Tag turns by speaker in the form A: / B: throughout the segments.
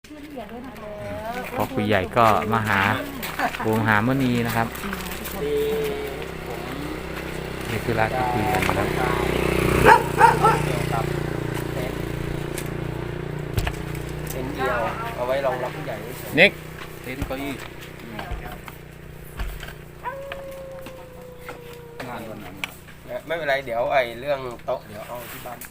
A: พอผู้ใหญ่ก็มาหาปู่มหามณีนะครับนี่คือร้านที่คุยกันครับ
B: เป็นเดียวเอาไว้รองรับผู้ใหญ่
A: นิก
C: เต็นท์เก้าอี้งานวันนั้น
B: ไม่เป็นไรเดี๋ยวไอ้เรื่องโต๊ะเดี๋ยวเอาที่บ้าน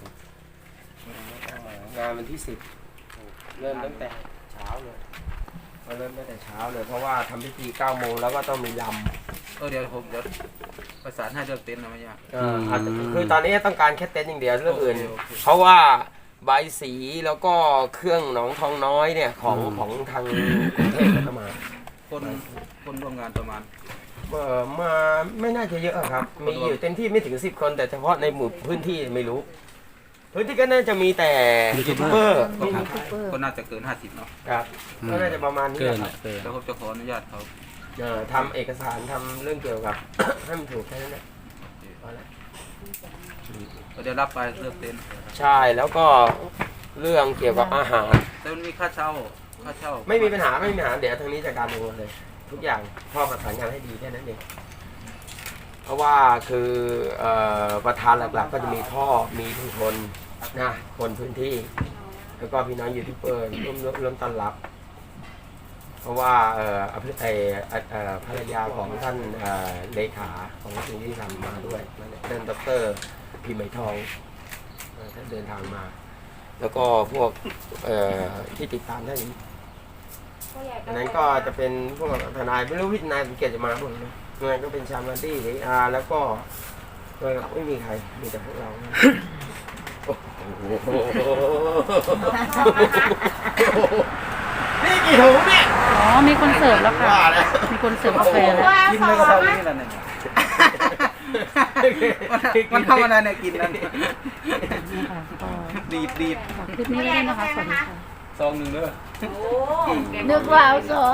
B: งานวันที่10เริ่มตั้งแต่เช้าเลยเริ่มตั้งแต่เช้าเลยเพราะว่าทำพิธี9 โมงแล้วก็ต้องมีล
C: เดี๋ยวผมประสานให้เรื่องเต็นท์นะไม่ยาก
B: ำคือตอนนี้ต้องการแค่เต็นท์อย่างเดียวเรื่องอื่นเพราะว่าใบสีแล้วก็เครื่องหนองทองน้อยเนี่ยของทางกรุงเทพก็มา
C: คนร่วมงานประมาณ
B: มาไม่น่าจะเยอะครับมีอยู่เต็มที่ไม่ถึง10 คนแต่เฉพาะในหมู่พื้นที่ไม่รู้พื้นที่ก็น่าจะมีแต่ยูทูบเบอร์
C: ก็น่าจะเกิน50เนาะ
B: ครับก็น่าจะประมาณนี้ครับ
C: แล้วผมจะขออนุญาตเขา
B: ทำเอกสารทำเรื่องเกี่ยวกับ ให้มันถูกแค่นั้นแหละ
C: เดี๋ยวรับไปเรื่องเต็นท์
B: ใช่แล้วก็เรื่องเกี่ยวกับอาหาร
C: แต่มันมีค่าเช่า
B: ไม่มีปัญหาเดี๋ยวทางนี้จัดการเองเลยทุกอย่างพ่อประสานงานให้ดีแค่นั้นเองเพราะว่าคือประธานหลักๆก็จะมีพ่อมีทุกคนนะคนพื้นที่แล้วก็พี่น้องยูทูบเบอร์ร่วมต้อนรับเพราะว่าภรรยาของท่านเลขาของสิ่งที่ทำมาด้วยท่านดร.พิมพ์ไหมทองท่านเดินทางมาแล้วก็พวกที่ติดตามท่านนั้นก็จะเป็นพวกทนายไม่รู้วิทนายสังเกตจะมาพวกนี้งานก็เป็นชามันตี้แล้วก็ไม่มีใครมีแต่พวกเรานี่กี่ถุงเนี่ย
A: อ๋อมีคนเสิร์ฟแล้วค่ะมีคนเสิร์ฟกาแฟแล้ว
C: กินไม่ก็เท่านี้แหละเนี่ยมันทำอะไรเนี่ยกินนั่นดีด
A: คลิปนี้ได้นะคะสวัสดีค่ะ
C: ซองหนึ่งเด้อ
A: นึกว่าเอา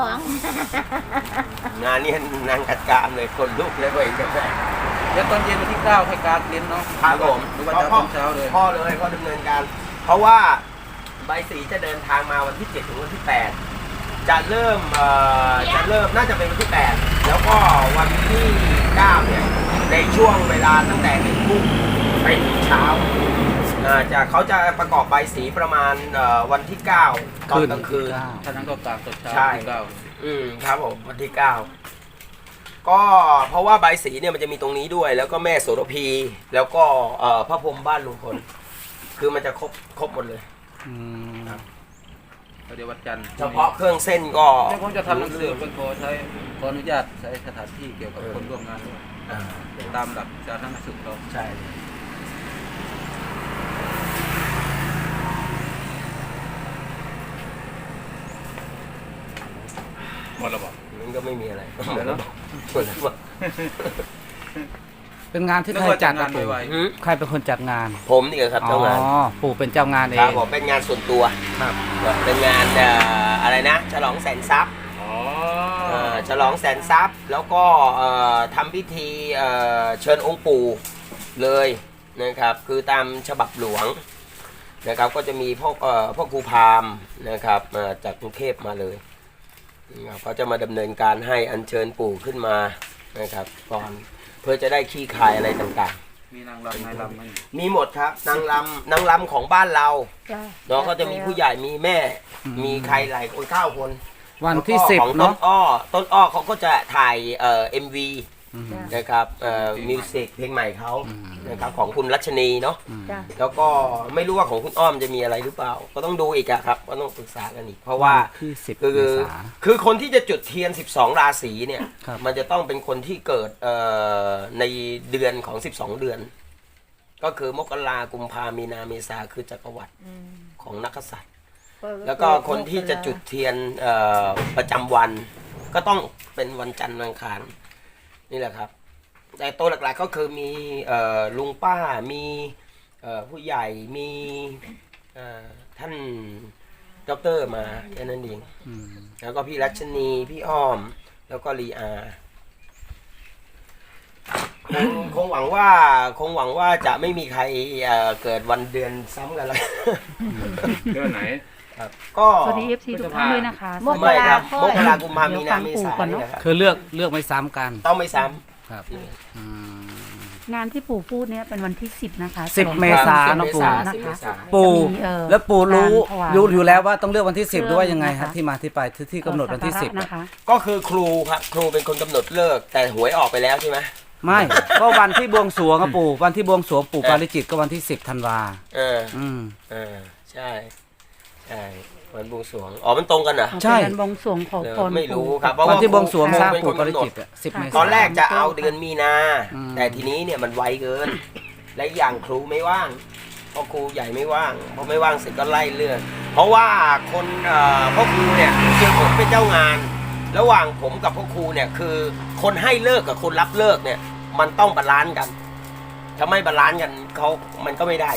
A: 2
B: งานนี้นางกัดกามเลยคนลุกเลยก็เองกาแฟ
C: แล้วตอนเย็นวันที่9ให้การเต็นท์เนาะ
B: ครับผม
C: หรือว่าจะตอนเช้าเลย
B: พ่อดำเนินการเพราะว่าใบสีจะเดินทางมาวันที่7ถึงวันที่8จะเริ่มน่าจะเป็นวันที่8แล้วก็วันที่9เนี่ยในช่วงเวลาตั้งแต่1 ทุ่มไปถึงเช้าเขาจะประกอบใบสีประมาณวันที่9ตอนกลางคืน
C: ท่านั้นก็กลางตอนเช้าที่
B: 9ครับผมวันที่9ก็เพราะว่าใบสีเนี่ยมันจะมีตรงนี้ด้วยแล้วก็แม่โสระพีแล้วก็พระพรหมบ้านลุงพลคือมันจะครบหมดเลย
C: เดี๋ยววันจันทร์
B: เฉพาะเครื่องเส้นก็
C: ผมจะทำหนังสือเป็นขออนุญาตใช้สถานที่เกี่ยวกับคนร่วมงานด้วยตามหลักสาธารณสุขเรา
B: ใช่
C: หมดแล้วบอก
B: มันก็ไม่มีอะไรหมดแล้ว
A: เป็นงานที่ใครจัดนะปู่ใครเป็นคนจัดงาน
B: ผมนี่ครับเจ้างาน
A: ปู่เป็นเจ้างานเอง
B: ครับผมเป็นงานส่วนตัวเป็นงานอะไรนะฉลองแสนทรัพย์ฉลองแสนทรัพย์แล้วก็ทำพิธีเชิญองค์ปู่เลยนะครับคือตามฉบับหลวงนะครับก็จะมีพวกครูพราหมณ์นะครับจากกรุงเทพมาเลยเขาจะมาดำเนินการให้อัญเชิญปู่ขึ้นมานะครับก่อนเพื่อจะได้ขี้คายอะไรต่าง
C: ๆมีนางรำ
B: มีหมดครับนางรำของบ้านเราเนาะก็จะมีผู้ใหญ่มีแม่มีใครหลายคน9 คน
A: วันที่10
B: เนาะต้นอ้อเขาก็จะถ่ายMV นะครับมิวสิกเพลงใหม่เขานะครับของคุณรัชนีเนาะแล้วก็ไม่รู้ว่าของคุณอ้อมจะมีอะไรหรือเปล่าก็ต้องดูอีกครับก็ต้องปรึกษากันอีกเพราะว่าคือคนที่จะจุดเทียน12 ราศีเนี่ยมันจะต้องเป็นคนที่เกิดในเดือนของ12 เดือนก็คือมกรากุมภามีนาเมษาคือจักรวรรดิของนักกษัตริย์แล้วก็คนที่จะจุดเทียนประจำวันก็ต้องเป็นวันจันทร์อังคารนี่แหละครับแต่ตัวหลักๆก็คือมีลุงป้ามีผู้ใหญ่มีท่านด็อกเตอร์มาแค่นั้นเองแล้วก็พี่รัชนีพี่อ้อมแล้วก็ลีอาคงหวังว่าจะไม่มีใครเกิดวันเดือนซ้ำกันแล้ว
C: เดือนไหน
B: ครับก็
D: สวัสดี FC ทุกท่านด้วยนะคะ
B: ไม่ครับ
D: ส
B: ม
D: วัส
B: ก
D: ดี
B: รากุมภามีนาเม
D: เดี๋ยวฟังปู่
B: ษา
D: ก่อน
B: นี่
D: เนาะ
B: นะครับ
A: คือเลือกไม่ซ้ำกัน
B: ต้องไม่ซ้
A: ครับอืม
D: งานที่ปู่พูดเนี่ยเป็นวันที่ 10 นะคะ
A: 10 เมษา
B: 10
A: เนอะปู่
B: 10 เมษา
A: ปู่
D: จะมี
A: แล้วปู่รู้
D: การถวาย
A: รู้อยู่แล้วว่าต้องเลือกวันที่ 10ด้วยยังไง
D: นะคะ
A: ฮะที่มาที่ไปที่กำหนดวันที่ 10
D: นะคะ
B: ก็คือครูครับครูเป็นคนกำหนดเลิกแต่หวยออกไปแล้วใช่ไหม
A: ไม่ ก็วันที่บวงสรวงอะปู่วันที่บวงสรวงปู่ปาริจิตก็วันที่ 10 ธันวา
B: เออ
A: อืม
B: ใช่ใช่วันบวงสรวงอ๋อมันตรงกันเหรอ
A: ใช่
D: เป็นการบวงสรวงขอพร
B: ไม่รู้
D: ปู่
B: ครับเพราะ
A: วัน
B: ว่า
A: ที่บวงสรวง
B: ครู
A: สร้าง
B: เป็น
A: ปู่
B: คน
A: ปาริ
B: กำหน
A: จิ
B: ด
A: ตอะ10 เม
B: ต
A: ษา
B: อนแรกจะเอาเดือนมีนา
A: อืม
B: แต่ทีนี้เนี่ยมันไวเกิน และอีกอย่างครูไม่ว่างเพราะครูใหญ่ไม่ว่างพอไม่ว่างเสร็จก็ไล่เลื่อนเพราะว่าคนพ่อครูเนี่ยคือผมเป็นเจ้างาน ระหว่างผมกับพ่อครูเนี่ยคือคนให้เลิกกับคนรับเลิกเนี่ยมันต้องบาลานซ์กันถ้าไม่บาลานซ์กันมันก็ไม่ได้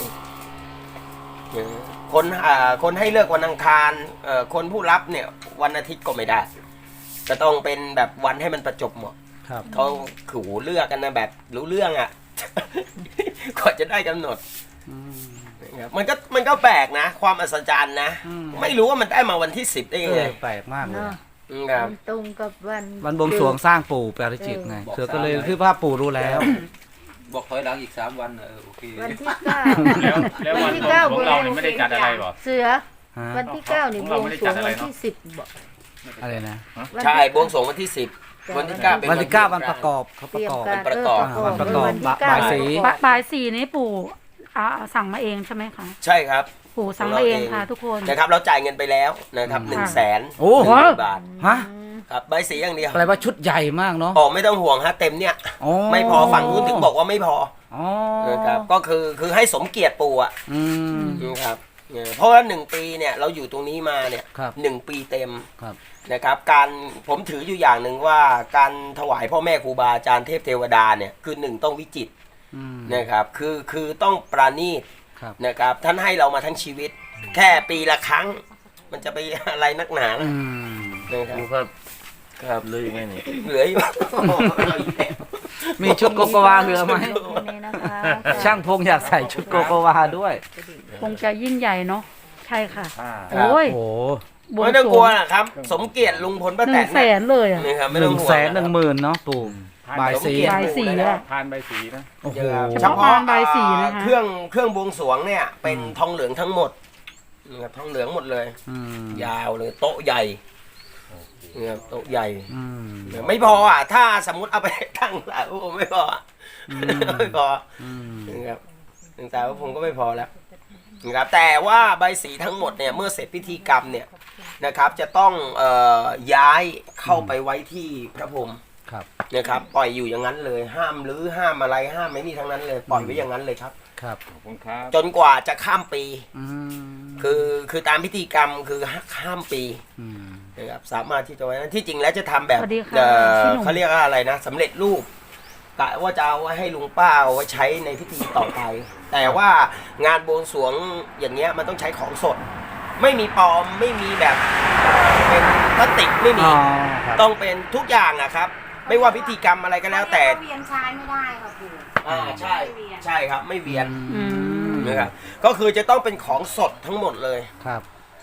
B: คนให้เลิกวันอังคารคนผู้รับเนี่ยวันอาทิตย์ก็ไม่ได้จะต้องเป็นแบบวันให้มันประจบหมด
A: ครับ
B: เขาขู่เลือกกันนะแบบรู้เรื่องอ่ะ ก่อนจะได้กำหนด
A: อืม
B: นะครับมันก็แปลกนะ ความอัศจรรย์นะ
A: อืม
B: ไม่รู้ว่ามันได้มาวันที่ 10 ได้ยังไง
A: แปลกมากเลย
E: เนาะ
B: ครับ
E: มันตรงกับวัน
A: วันบวงสรวงสร้างปู่ปาริจิตไงเธอก็เลยคือว่าปู่รู้แล้ว
C: บอกถอยหลังอีก3 วันโอเค
E: วันที่เก้า
F: แล้ววัน
E: ที่
F: ของเราเนี่ยไม่ได้จัดอะไรหรอ
E: เสือ
A: ฮะ
E: วันที่เก้านี่
F: ของ
E: บ
F: เรา
E: วง
F: ไม่ได้
E: สรว
F: จั
E: ง
F: ดอะไร
E: วัน
F: เนอะ
E: ที่10บอก
A: อะไรนะ
B: ใช่บวงสรวงวันที่ 10 วันที่ 9 เป็น
A: วันที่ 9 วันประกอบเขาประกอบ
E: เตรียม
B: ประกอบ
A: วันประกอบ
E: วันที่เก้
A: บ่ายสี
D: บ่าย4นี้ปู่สั่งมาเองใช่ไหมคะ
B: ใช่ครับ
D: ปู่สั่งมาเองค่ะทุกคน
B: นะครับเราจ่ายเงินไปแล้วนะครับ
D: ค่ะ
B: 100,000
A: โอ้
B: บาท
A: ฮะ
B: ครับใบสีอย่างเดียว
A: อะไรว่าชุดใหญ่มากเนาะ
B: อ๋อไม่ต้องห่วงฮะเต็มเนี่ย
A: อ๋อ
B: ไม่พอฝั่งนู้นถึงบอกว่าไม่พอ
A: อ๋อ
B: นะครับก็คือให้สมเกียรติปู่อ่ะ
A: อืม
B: นะครับเพราะว่า1 ปีเนี่ยเราอยู่ตรงนี้มาเนี่ย
A: ครับ
B: 1 ปีเต็ม
A: ครับ
B: นะครับการผมถืออยู่อย่างหนึ่งว่าการถวายพ่อแม่ครูบาอาจารย์เทพเทวดาเนี่ยคือ1ต้องวิจิตร
A: อืม
B: นะครับคือต้องปราณีต
A: ครับ
B: นะครับท่านให้เรามาทั้งชีวิต แค่ปีละครั้ง มันจะไปอะไรนักหนา
A: อื
B: นะ
A: ม
B: นะครับ
F: ดูครับครับเลยยังไงนี่
B: เหลืออยู่
A: มีชุดโกโกวาเหลือไหม
E: นี่นะคะ
A: ช่างพงอยากใส่ชุดโกโกวาด้วย
D: คงจะยิ่งใหญ่เนาะใช่ค่ะ
B: ครับ
D: โอ้ย
A: โอ้โห
D: บวง
B: ไม่
D: ส
B: ต้อง
D: ร
B: กลั
D: ว
B: ว
D: ง
B: นะครับ สมเกียรติลุงพลป้าแตน
D: 100,000เลยอ่ะ
B: นะครับไม่
A: ห
B: ต้อ
A: นึ่
B: ง
A: ง
B: ห่ว
A: แส
B: ง
A: นหนึ่งหมื่นเนาะปู่บ่ายสี
D: บ่ายสีอ่ะ
F: พานใบสีนะ
A: โอ้โห
D: เฉพาะงานใบสีนะคะ
B: เครื่องบวงสรวงเนี่ยเป็นทองเหลืองทั้งหมดนะครับทองเหลืองหมดเลย
A: อืม
B: ยาวเลยโต๊ะใหญ่นะครับโต๊ะใหญ่
A: อืม
B: ไม่พออ่ะถ้าสมมุติเอาไปตั้งหลายองค์ไม่พออ่ะไม่พอ
A: อืม
B: นะครับตั้งแต่ว่าผมก็ไม่พอแล้วนะครับแต่ว่าใบสีทั้งหมดเนี่ยเมื่อเสร็จพิธีกรรมเนี่ยนะครับจะต้องย้ายเข้าไปไว้ที่พระพรหม
A: ครับ
B: นะครับปล่อยอยู่อย่างนั้นเลยห้ามหรือห้ามอะไรห้ามไม่นี่ทั้งนั้นเลยปล่อยไว้อย่างนั้นเลยครับ
A: ครับ
F: ขอบคุณครับ
B: จนกว่าจะข้ามปี
A: อืม
B: คือตามพิธีกรรมคือข้ามปี
A: อืม
B: นะครับสามารถที่จะไว้นั้นที่จริงแล้วจะทำแบบ
D: สวัสดีค่ะ
B: เ
D: พี่หนุ่ม
B: เขาเรียกว่าอะไรนะสำเร็จรูปกะว่าจะเอาไว้ให้ลุงป้าเอาไว้ใช้ในพิธีต่อไป แต่ว่างานบวงสรวงอย่างเงี้ยมันต้องใช้ของสด ไม่มีปลอมไม่มีแบบเป็นพลาสติกไม่มี
A: อ๋อครับ
B: ต้องเป็นทุกอย่างอะครับ ไม่ว่าพิธีกรรมอะไรก็แล้วแต่
E: เวียนชายไม่ได้ค่ะปู่
B: ใช่ใช่ครับไม่เวียน
D: อืม
B: นะครับก็คือจะต้องเป็นของสดทั้งหมดเลย
A: ครับ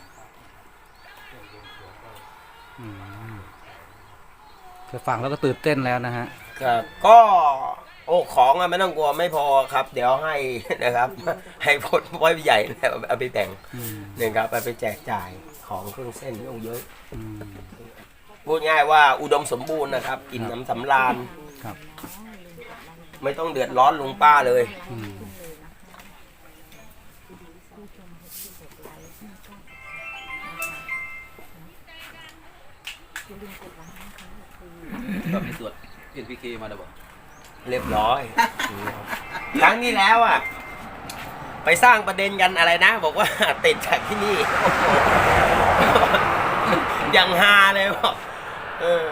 A: อืมคือฟังแล้วก็ตื่นเต้นแล้วนะฮะ
B: ครับก็โอ้ของอะไม่ต้องกลัวไม่พอครับ เดี๋ยวให้นะครับ ให้พดไว้ใหญ่แล้วเอาไปแบ่ง
A: อืม
B: นะครับไปแจกจ่ายของเครื่องเส้นไม่ต้องเยอะ
A: อืม
B: พูดง่ายว่าอุดมสมบูรณ์นะครับอิ่มน้ำสำราญ
A: ครับ
B: ไม่ต้องเดือดร้อนลุงป้าเลย
A: อืม
C: ก็มีตรวจ NPK มาแล้วบอก
B: เรียบร้อยครั้งที่แล้วอ่ะไปสร้างประเด็นกันอะไรนะ บอกว่าติดจากที่นี่ อย่างฮาเลยบอกเออ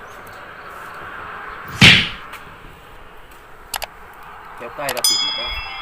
C: แถวใกล้เราติดหมดแล้ว